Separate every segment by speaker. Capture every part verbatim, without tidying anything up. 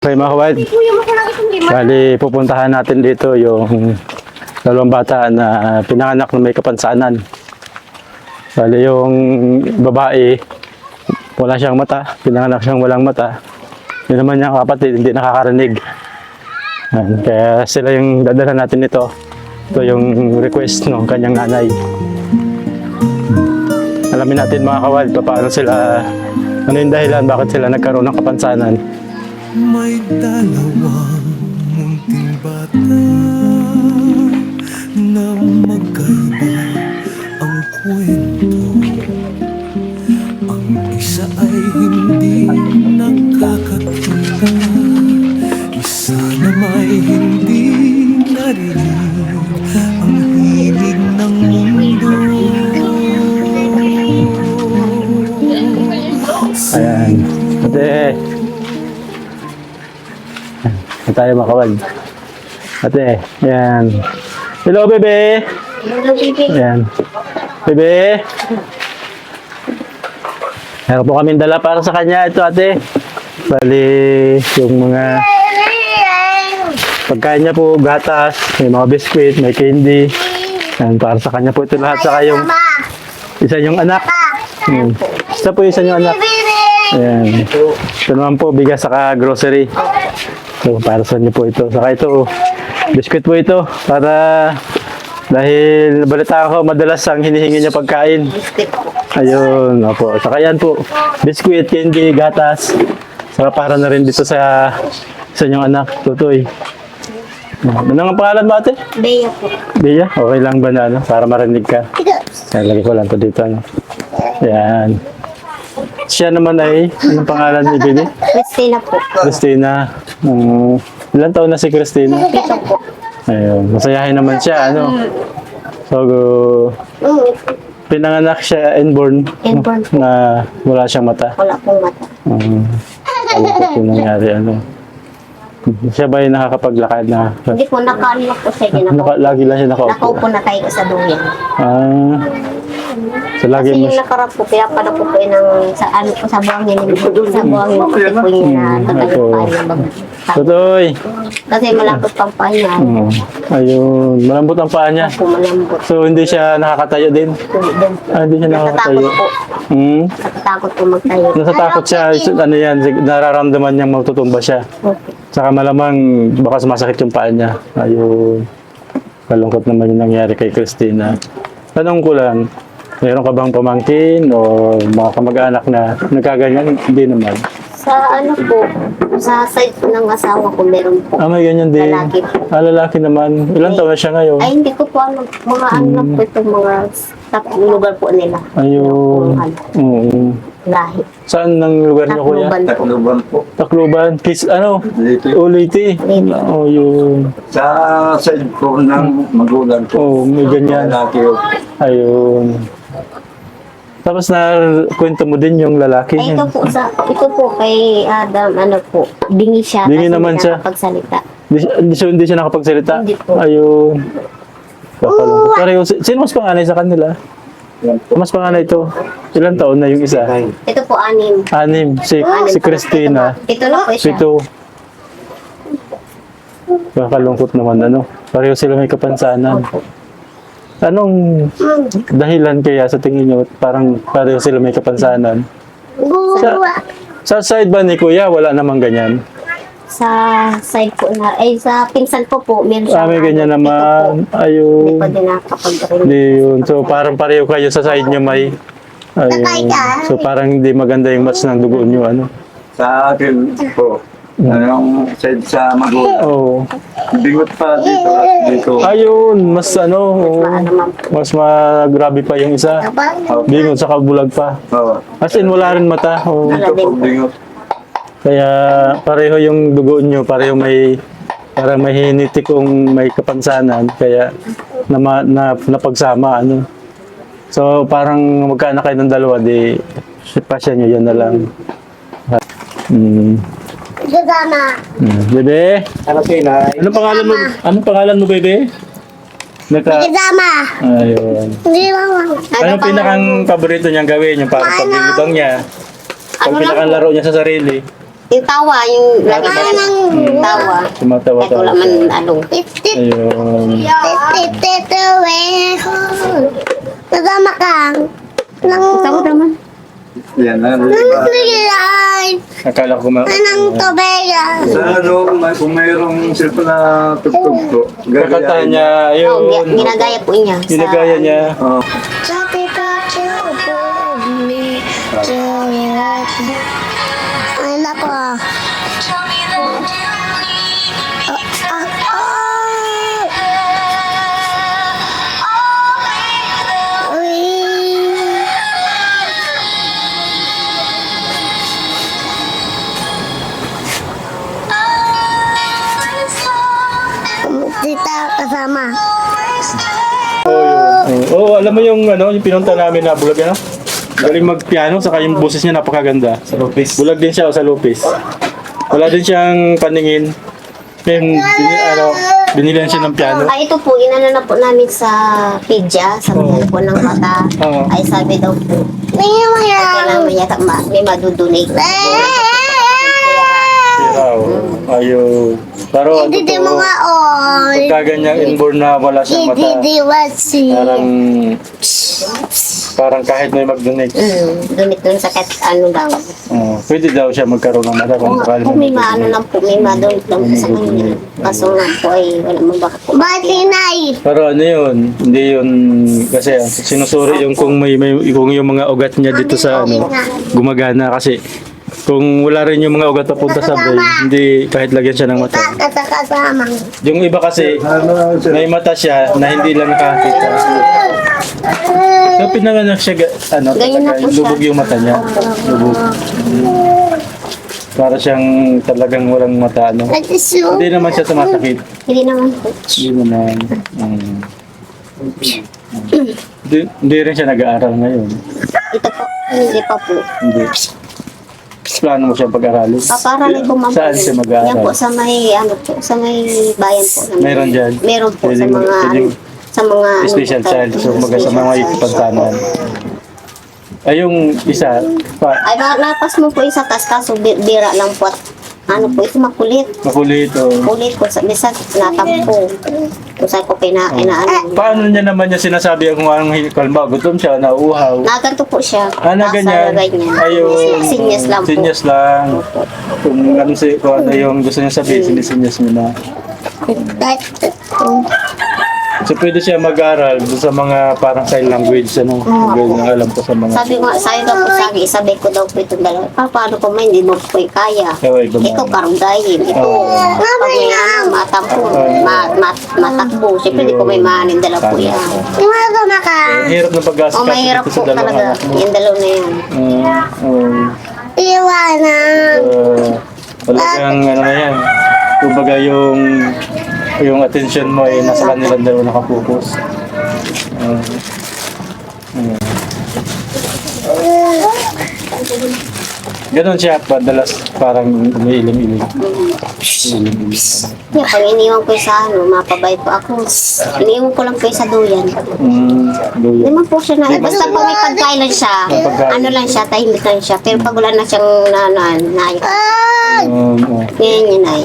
Speaker 1: Okay mga kawad, bali pupuntahan natin dito yung dalawang bata na pinanganak na may kapansanan. Bali yung babae, wala siyang mata, pinanganak siyang walang mata. Yun naman niyang kapatid, hindi nakakarinig. Ayan, kaya sila yung dadala natin ito. Ito yung request ng kanyang nanay. Alamin natin mga kawad, paano sila, ano yung dahilan, bakit sila nagkaroon ng kapansanan.
Speaker 2: May dalawang munting bata na magkaiba ang kwento. Ang isa ay hindi nakakakita, isa na may hindi narinig ang himig ng mundo.
Speaker 1: Ayan, ate. Ito tayo makawag. Ate, ayan. Hello, bebe.
Speaker 3: Hello, baby.
Speaker 1: Ayan. Bebe. Meron po kaming dala para sa kanya. Ito, ate. Bali, yung mga pagkain niya po, gatas, may mga biskuit, may candy. Ayan, para sa kanya po ito lahat. Saka yung isa yung anak. Ayan. Isa po isa yung anak. Ayan. Ito naman po, bigas saka grocery. So, para sa inyo po ito. Saka ito, biskuit po ito. Para, dahil nabalita ko, madalas ang hinihingi niya pagkain. Ayun, opo. Saka yan po, biskuit, candy, gatas. Saka para na rin dito sa sa inyong anak, Tutoy. Ano ang pangalan mo, ate?
Speaker 3: Bea po.
Speaker 1: Bea, okay lang ba na, ano? Para marinig ka. Kaya lagi ko lang ito dito, ano? Yan. Siya naman ay, anong pangalan ni Bini?
Speaker 3: Christina po.
Speaker 1: Christina. Um, ilan taon na si Christina?
Speaker 3: Ito po.
Speaker 1: Ayun, masayahin naman siya, ano? So,
Speaker 3: Mm,
Speaker 1: pinanganak siya inborn,
Speaker 3: Inborn po.
Speaker 1: na wala siyang mata.
Speaker 3: Wala pong mata.
Speaker 1: Um, ano po yung nangyari, ano? Siya ba yung nakakapaglakad na?
Speaker 3: Hindi po, nakaano po siya. Hindi
Speaker 1: Naka,
Speaker 3: nakaupo.
Speaker 1: lagi lang siya nakaupo.
Speaker 3: Nakaupo na tayo sa duyan.
Speaker 1: Ah, so lagi
Speaker 3: Kasi
Speaker 1: mo
Speaker 3: yung
Speaker 1: siya.
Speaker 3: nakarap po, pinapala po po yun ng, sa, ano, po, sa buhangin. Sa buhangin po, kasi po yun na tagalit
Speaker 1: Opo.
Speaker 3: pa yun.
Speaker 1: Tutoy!
Speaker 3: Kasi malapot pang pahinga.
Speaker 1: Hmm. Ayun, malambot ang paa niya.
Speaker 3: Po, malambot.
Speaker 1: So hindi siya nakakatayo din?
Speaker 3: Hindi din.
Speaker 1: Ah, hindi siya nakakatayo.
Speaker 3: Natatakot po.
Speaker 1: Hmm?
Speaker 3: Natatakot po magtayo.
Speaker 1: Nasatakot siya, ano yan, nararamdaman niyang matutumba siya.
Speaker 3: Okay.
Speaker 1: Saka malamang baka sumasakit yung paa niya. Ayun. Kalungkot naman yung nangyari kay Christina. Tanong ko lang, meron ka bang pamangkin o mga kamag-anak na nagkaganyan? Hindi naman.
Speaker 3: Sa ano po, sa side po ng asawa ko, meron po.
Speaker 1: Ah, may ganyan din.
Speaker 3: Lalaki.
Speaker 1: Ah, lalaki naman. Ilan taon na siya ngayon?
Speaker 3: Ay, hindi ko po alam. Mga ano lang po itong mga tatlong lugar po nila.
Speaker 1: Ayun.
Speaker 3: Ano,
Speaker 1: Oo.
Speaker 3: lahi.
Speaker 1: Saan ang lugar niyo, kuya?
Speaker 3: Takluban po.
Speaker 4: Takluban po.
Speaker 1: Tacloban. Kis, ano?
Speaker 4: Dito.
Speaker 1: Uliti.
Speaker 3: Leyte.
Speaker 1: Oh, yun.
Speaker 4: Sa side po ng magulang
Speaker 1: Oh,
Speaker 4: ko.
Speaker 1: may ganyan.
Speaker 4: Lalaki po.
Speaker 1: Ayun. Tapos na kwento mo din yung lalaki.
Speaker 3: Ay, ito po, sa, ito po kay Adam, ano po, bingi siya.
Speaker 1: Bingi
Speaker 3: kasi
Speaker 1: naman
Speaker 3: hindi
Speaker 1: siya.
Speaker 3: nakapagsalita.
Speaker 1: Hindi, siya- hindi, siya, hindi siya nakapagsalita?
Speaker 3: Hindi po.
Speaker 1: Ayun. Kakalungkot. Pareho, si- sino mas panganay sa kanila?
Speaker 4: Yan po.
Speaker 1: Mas panganay ito. Ilan taon na yung isa?
Speaker 3: Ito po, anim.
Speaker 1: Anim. Si,
Speaker 3: Anim
Speaker 1: si
Speaker 3: po.
Speaker 1: Christina.
Speaker 3: Ito na po siya.
Speaker 1: Pito. Kakalungkot naman, ano? Pareho sila may kapansanan. Anong dahilan kaya sa tingin nyo parang pareho sila may kapansanan? Sa, sa side ba ni Kuya, wala namang ganyan?
Speaker 3: Sa side po na, ay sa pinsan po po, meron siya.
Speaker 1: Ah, may ganyan
Speaker 3: ano,
Speaker 1: naman.
Speaker 3: Ito po, hindi
Speaker 1: Ayun.
Speaker 3: pa din nakakapag-rin.
Speaker 1: Hindi yun. So parang pareho kayo sa side nyo may... Ayun. So parang hindi maganda yung match ng dugo nyo, ano?
Speaker 4: Sa akin po. Anong side sa magulang.
Speaker 1: Oo.
Speaker 4: Bingot pa dito at dito.
Speaker 1: Ayun, mas ano, oo.
Speaker 3: Maano man po.
Speaker 1: Mas magrabe pa yung isa. Bingon sa kabulag pa.
Speaker 4: Oo.
Speaker 1: As in, wala rin mata. Oo.
Speaker 4: Dito po bingot.
Speaker 1: Kaya pareho yung dugo nyo, pareho may parang may hinitikong may kapansanan. Kaya na, na, napagsama, ano. So, parang magkaanak kayo ng dalawa, di pasya nyo, yan na lang. Hmm.
Speaker 3: Gagana.
Speaker 1: Hmm. Bebe?
Speaker 4: Ano kayo na?
Speaker 1: Anong pangalan mo? Anong pangalan mo, bebe? Naka...
Speaker 3: Gagama.
Speaker 1: Ayun.
Speaker 3: Hindi mo.
Speaker 1: Anong pinakang paborito niyang gawin? Yung parang paglilibang niya? Ang
Speaker 3: Ano lang
Speaker 1: pinakang laro niya sa sarili?
Speaker 3: Yung tawa, yung lagi ba yung tawa.
Speaker 1: Tumatawa
Speaker 3: Kahit wala man ano.
Speaker 1: Ayun.
Speaker 3: Kasama ka. Tawa naman.
Speaker 4: Yan na. diba?
Speaker 1: Akala ko ma...
Speaker 4: Sa ano, kung, may, kung mayroong cellphone na tugtog po,
Speaker 1: Kakanta niya,
Speaker 3: Oo,
Speaker 1: ayun.
Speaker 3: ginagaya po niya. sa-
Speaker 1: Ginagaya niya.
Speaker 4: Oh.
Speaker 3: Ay, nako. Ah, ah, ah. Uy. Tita, kasama.
Speaker 1: Oo, yun. Oo, oh, alam mo yung ano, yung pinunta namin na bulag ano? Galing magpiano, saka yung boses niya napakaganda. Sa Lopez. Bulag din siya o sa Lopez. Wala din siyang paningin. Then, bini, ano, binilihan siya ng piano.
Speaker 3: Ay, ito po, inano na po namin sa Pidya, sa mga po ng mata.
Speaker 1: Oo.
Speaker 3: Ay, sabi daw po, kailangan may yata ma, may madudunate.
Speaker 1: Sira, oh. Ayun. Pero ano to, pagkaganyang inborn na wala siyang mata, parang, parang kahit may mag-donate.
Speaker 3: Mm, donate dun sa kahit ano daw.
Speaker 1: Oh, pwede daw siya magkaroon ng mata kung
Speaker 3: Kung,
Speaker 1: sakali
Speaker 3: kung may maano lang po, may madonate lang po sa kanya. Kaso nga po ay wala mo baka po.
Speaker 1: Pero ano yun, hindi yun, kasi ang sinusuri yung kung may, may kung yung mga ugat niya dito sa ano, gumagana kasi kung wala rin yung mga ugat papunta sa brain, hindi kahit lagyan siya ng mata.
Speaker 3: Kasama.
Speaker 1: Yung iba kasi, may mata siya na hindi lang nakakita. So pinanganak siya, ga- ano,
Speaker 3: Ganyan na
Speaker 1: talaga,
Speaker 3: po siya.
Speaker 1: lubog yung mata niya. Lubog. Para siyang talagang walang mata, ano. Hindi naman siya sumasakit.
Speaker 3: Hindi naman po.
Speaker 1: Hindi naman. Um, hindi, hindi rin siya nag-aaral ngayon.
Speaker 3: Ito po, hindi pa po.
Speaker 1: Hindi. Plano mo siya pag-aralin?
Speaker 3: Paparalin po ma'am.
Speaker 1: Saan siya
Speaker 3: Yan
Speaker 1: mag-aaral?
Speaker 3: po sa may, ano po, sa may bayan po. Sa may-
Speaker 1: Meron dyan?
Speaker 3: Meron po sa
Speaker 1: Pwedeng-
Speaker 3: mga, ano,
Speaker 1: pwedeng-
Speaker 3: sa mga, ano
Speaker 1: Special
Speaker 3: po,
Speaker 1: child. So, mga sa mga ipansanan. Ay, yung isa, pa,
Speaker 3: Ay, na- napas mo po isa tas kaso bi- bira lang po at ano po, ito makulit.
Speaker 1: makulit o...
Speaker 3: Kulit ko sa bisa natampo. Kung saan ko pina, inaano.
Speaker 1: Paano niya naman niya sinasabi kung anong kalma? Gutom siya, nauuhaw.
Speaker 3: Naganto po siya.
Speaker 1: Ah, na
Speaker 3: Nasa
Speaker 1: ganyan.
Speaker 3: ganyan.
Speaker 1: Ayun.
Speaker 3: Sinyas lang po.
Speaker 1: Sinyas lang. Kung ano, si, kung ano yung gusto niya sabihin, sinisinyas mo na. So, pwede siya mag-aral doon sa mga parang sign language, ano? Ganyan ang alam ko sa mga...
Speaker 3: Sabi ko, sabi ko po sa akin, sabi ko daw po itong dalawa. Pa, paano ko man, hindi mo po kaya.
Speaker 1: Ewan, iba
Speaker 3: Ito
Speaker 1: ba?
Speaker 3: karunggayin. Ito,
Speaker 1: Oo.
Speaker 3: pag may ano, matampo, ma, ma, matakbo. Siyempre, hindi ko may maanin dalawa po yan.
Speaker 1: Ang hirap ng pag-asikaso
Speaker 3: O, mahirap
Speaker 1: dito
Speaker 3: po
Speaker 1: sa dalawang
Speaker 3: talaga.
Speaker 1: anak mo.
Speaker 3: Yung dalaw na yan.
Speaker 1: Uh, um,
Speaker 3: Iwanan.
Speaker 1: uh, talagang ano na yan. Kumbaga yung yung attention mo ay nasa kanilang dalawa nakapokus. Uh, uh. Ganon siya, padalas parang umiilim-ilim. Umiilim-ilim.
Speaker 3: Kaya pag iniwan ko sa ano, mapabay po ako. Iniwan ko lang po sa duyan.
Speaker 1: Mm,
Speaker 3: Hindi
Speaker 1: luya.
Speaker 3: man po siya na, eh, basta pag may pagkain lang siya,
Speaker 1: May pagkain.
Speaker 3: ano lang siya, tahimik lang siya. Pero pag wala na siyang na, na, na,
Speaker 1: Um, uh,
Speaker 3: ganyan yun ay.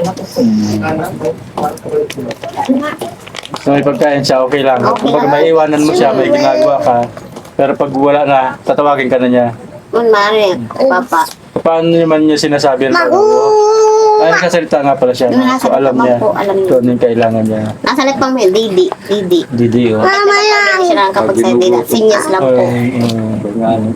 Speaker 1: so may pagkain siya, okay lang.
Speaker 3: Okay
Speaker 1: Kapag
Speaker 3: lang.
Speaker 1: may iwanan mo siya, may ginagawa ka. Pero pag wala na, tatawagin ka na niya.
Speaker 3: Man, mare, papa.
Speaker 1: Paano naman niya sinasabi ang pag Ay, nagsasalita nga pala siya. So alam niya
Speaker 3: Po, alam niya.
Speaker 1: kung ano yung kailangan niya.
Speaker 3: Nasa net pang may Didi, Didi.
Speaker 1: Didi, oh.
Speaker 3: Mama lang. Siya lang kapag sa Didi, sinyas lang po.
Speaker 1: Ay, uh, ano.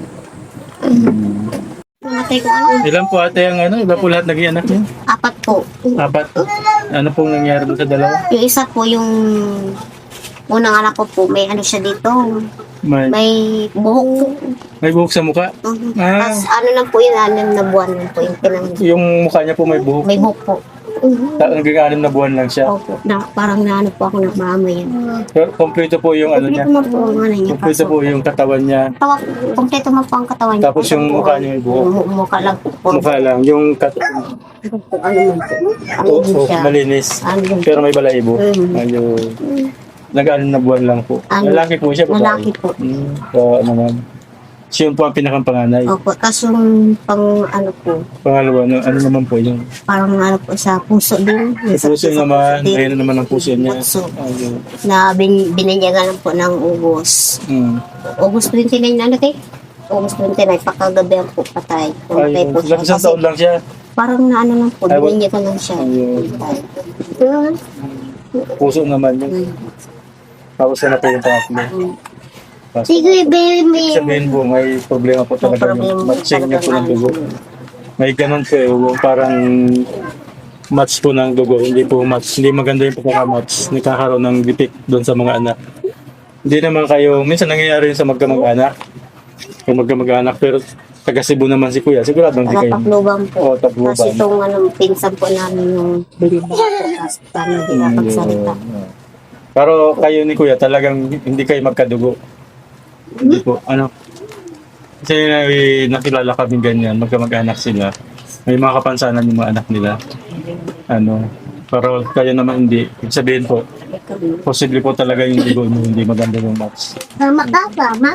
Speaker 3: Matay ko ano,
Speaker 1: Ilan po ate ang ano? Ilan po lahat naging anak niya?
Speaker 3: apat po.
Speaker 1: Apat. Ano pong nangyari doon sa dalawa?
Speaker 3: Yung isa po yung unang anak ko po, may ano siya dito,
Speaker 1: May,
Speaker 3: may buhok po.
Speaker 1: may buhok sa mukha.
Speaker 3: Mhm.
Speaker 1: Ah.
Speaker 3: Tapos ano lang po yun, anim na buwan lang po yung pinang,
Speaker 1: Yung mukha niya po may buhok.
Speaker 3: may buhok po.
Speaker 1: Ta- Naging anim na buwan lang siya.
Speaker 3: Opo, na, parang naano po ako nagmamay yan.
Speaker 1: Pero kompleto po yung ano niya.
Speaker 3: Kompleto mo po ang ano niya.
Speaker 1: Kompleto po yung katawan niya.
Speaker 3: Tawa, kompleto mo po ang katawan niya.
Speaker 1: Tapos yung mukha niya may buhok.
Speaker 3: Mu- Mukha lang po. Puro
Speaker 1: Mukha lang. Yung kat
Speaker 3: po, ano man po. Ano
Speaker 1: oh,
Speaker 3: din
Speaker 1: oh,
Speaker 3: siya.
Speaker 1: malinis.
Speaker 3: Ano din
Speaker 1: Pero may balahibo.
Speaker 3: Mm.
Speaker 1: Ayun. Nag-anim na buwan lang po.
Speaker 3: Ano?
Speaker 1: Lalaki po siya. babae?
Speaker 3: Lalaki po.
Speaker 1: Hmm. So, ano naman. Siya po ang pinakang panganay.
Speaker 3: Opo, tapos yung pang ano po,
Speaker 1: Pangalawa, ano, ano naman po yun?
Speaker 3: parang ano po sa puso din.
Speaker 1: Yung puso naman,
Speaker 3: din.
Speaker 1: ngayon naman ang puso niya.
Speaker 3: Puso.
Speaker 1: Ayun.
Speaker 3: Na bin, binanyagan po ng ubos.
Speaker 1: Hmm.
Speaker 3: August twenty-nine na natin. August twenty-nine, pakagabi po patay. Pumatay
Speaker 1: Ayun.
Speaker 3: po siya.
Speaker 1: Ilang isang
Speaker 3: Kasi
Speaker 1: taon lang siya.
Speaker 3: parang na ano lang po,
Speaker 1: Ay, wa-
Speaker 3: binanyagan lang siya.
Speaker 1: Ayun.
Speaker 3: Ayun.
Speaker 1: Puso naman yun.
Speaker 3: Mm.
Speaker 1: Tapos na po yung pangatlo. Tapos,
Speaker 3: Sige, baby.
Speaker 1: sabihin po, may problema po talaga
Speaker 3: problema
Speaker 1: yung matching niya po ng
Speaker 3: talaga
Speaker 1: dugo. May ganun po eh, yung parang match po ng dugo, hindi po match, hindi maganda yung pagkakamatch, nakakaroon ng defect doon sa mga anak. Hindi naman kayo, minsan nangyayari yun sa magkamag-anak, kung magkamag-anak, pero taga Cebu naman si Kuya, sigurado hindi
Speaker 3: Taga
Speaker 1: kayo.
Speaker 3: Tacloban po.
Speaker 1: Oo, Tacloban.
Speaker 3: Kasi itong ano, pinsan po namin yung bilba. Tapos paano hindi nakapagsalita.
Speaker 1: Pero kayo ni Kuya, talagang hindi kayo magkadugo. Hindi po, ano, kasi eh, nakilala kami ganyan, magkamag-anak sila. May mga kapansanan yung mga anak nila. Ano, pero kayo naman hindi. Ibig sabihin po, posible po talaga yung dugo nyo, hindi maganda yung match.
Speaker 3: Mama ka, mama?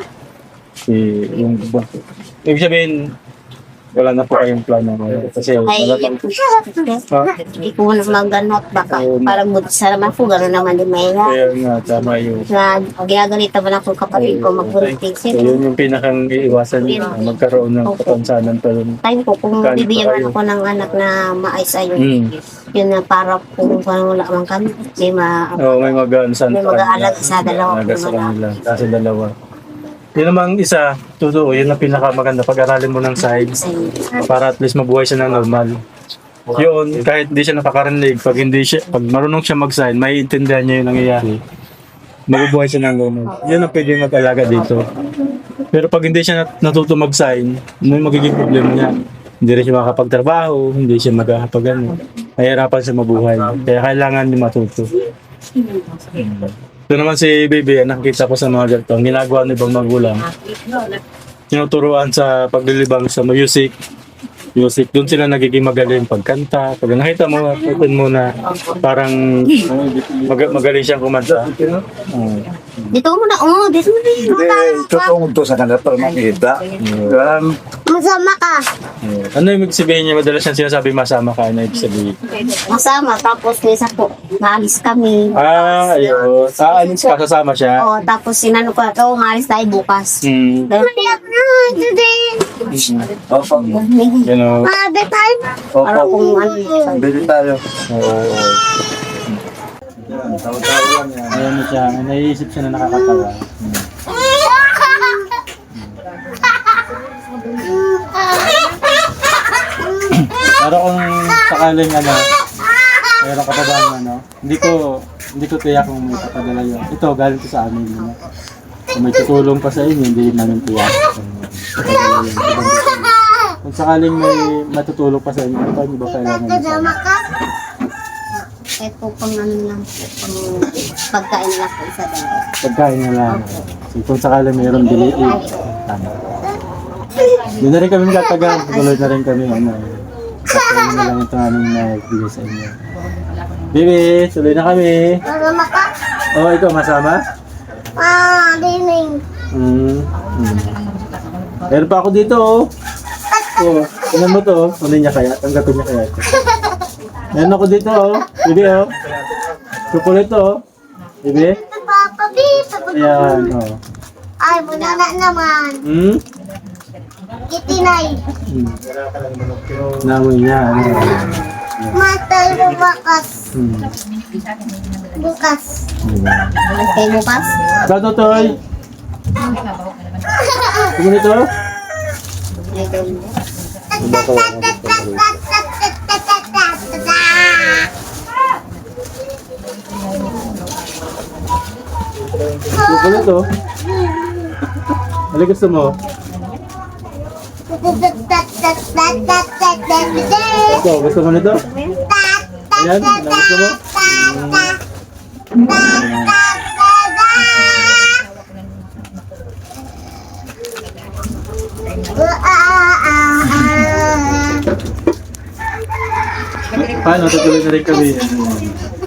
Speaker 1: Si, yung, ibig sabihin, wala na po kayong plano. Kasi,
Speaker 3: Ay,
Speaker 1: wala pang,
Speaker 3: hindi ko na maganot. Baka
Speaker 1: Oo.
Speaker 3: parang buti sa naman po, gano'n naman din may nga.
Speaker 1: kaya nga, tama yun.
Speaker 3: Na ginagalita mo na kung kapatid ko magbunting
Speaker 1: So,
Speaker 3: sila.
Speaker 1: yun yung pinakang iiwasan nyo, magkaroon ng
Speaker 3: Opo.
Speaker 1: kapansanan pa rin.
Speaker 3: Tayo po, kung
Speaker 1: Kano
Speaker 3: bibigyan
Speaker 1: pa kayo?
Speaker 3: ako ng anak na maayos ayun,
Speaker 1: Mm.
Speaker 3: yun na para kung parang wala man kami, may ma...
Speaker 1: Oo, may mag-aansan
Speaker 3: May mag-aalag sa dalawa
Speaker 1: Alaga sa
Speaker 3: po na-
Speaker 1: kanila, sa dalawa. Yun namang isa, totoo, yun ang pinakamaganda. Pag-aralin mo ng science para at least mabuhay siya ng normal. Yun, kahit hindi siya nakakarinig, pag hindi siya, pag marunong siya mag-sign, may intindihan niya yung nangyayari. Mabubuhay siya ng normal. Yun ang pwede mag-alaga dito. Pero pag hindi siya nat- natuto mag-sign, ano yung magiging problema niya? Hindi rin siya makakapagtrabaho, hindi siya magkakapag ano. Mahirapan siya mabuhay. Kaya kailangan niya matuto. Ito naman si Baby, nakikita ko sa mga ganito. Ang ginagawa ng ibang magulang, tinuturuan sa paglilibang sa music. Music, doon sila nagiging magaling pagkanta. Pag nakita mo, open mo na parang mag- magaling siyang kumanta. Oo.
Speaker 3: Dito mo na, oh, dito mo na.
Speaker 4: Hindi, tutungod to sa kanila para makita. Um,
Speaker 3: Masama ka.
Speaker 1: Ano yung ibig sabihin niya? Madalas siyang sinasabi masama ka. Ano ibig sabihin?
Speaker 3: Masama, tapos minsan po, maalis kami.
Speaker 1: Ah, ayun. Ah, alis ka, kasama siya.
Speaker 3: Oo, tapos sinano ko, oh, maalis tayo bukas.
Speaker 1: Hmm.
Speaker 4: Opo.
Speaker 1: You know.
Speaker 3: Para
Speaker 4: Opo.
Speaker 3: kung ano,
Speaker 4: Bili tayo.
Speaker 1: Oo.
Speaker 4: Tawa-tawa lang yan.
Speaker 1: Ayan na siya. May naiisip siya na nakakatawa. Pero kung sakaling ano, meron ka pa ba ng ano, hindi ko, hindi ko tiyak kung may papadala yun. Ito, galing ko sa amin. Yun. Kung may tutulong pa sa inyo, hindi namin tiyak. Papadala yun. Kung sakaling may matutulong pa sa inyo, ito hindi ba kailangan nyo?
Speaker 3: kahit po pang ano lang po, pang pagkain lang po isa dalawa.
Speaker 1: Pagkain na lang. So, kung sakaling mayroong diliin, tama. Doon na rin kami magtatagal. Tuloy na rin kami. Ano, pagkain na lang ito aming nagbigay sa inyo. Bibi, tuloy na kami.
Speaker 3: Masama ka?
Speaker 1: Oh, ikaw masama?
Speaker 3: Ah, dining.
Speaker 1: Hmm. hmm. Meron pa ako dito, oh. Oh, tingnan mo to, oh. Ano niya kaya? Tanggapin niya kaya ito. Meron ako dito, oh. Bibi, oh. Chocolate, oh. Bibi?
Speaker 3: Papa, babe.
Speaker 1: Ayan, oh.
Speaker 3: Ay, bunana naman.
Speaker 1: Hmm?
Speaker 3: Kitinay.
Speaker 1: Hmm. Namoy niya, ano.
Speaker 3: Matay bukas.
Speaker 1: Hmm.
Speaker 3: Bukas.
Speaker 1: Diba?
Speaker 3: Matay bukas?
Speaker 1: Ikaw, Totoy. Tingnan nito. Chocolate, oh. Ano gusto mo? Ito, gusto mo nito? Ayan, ano gusto mo? Paano? Tutuloy na rin kami.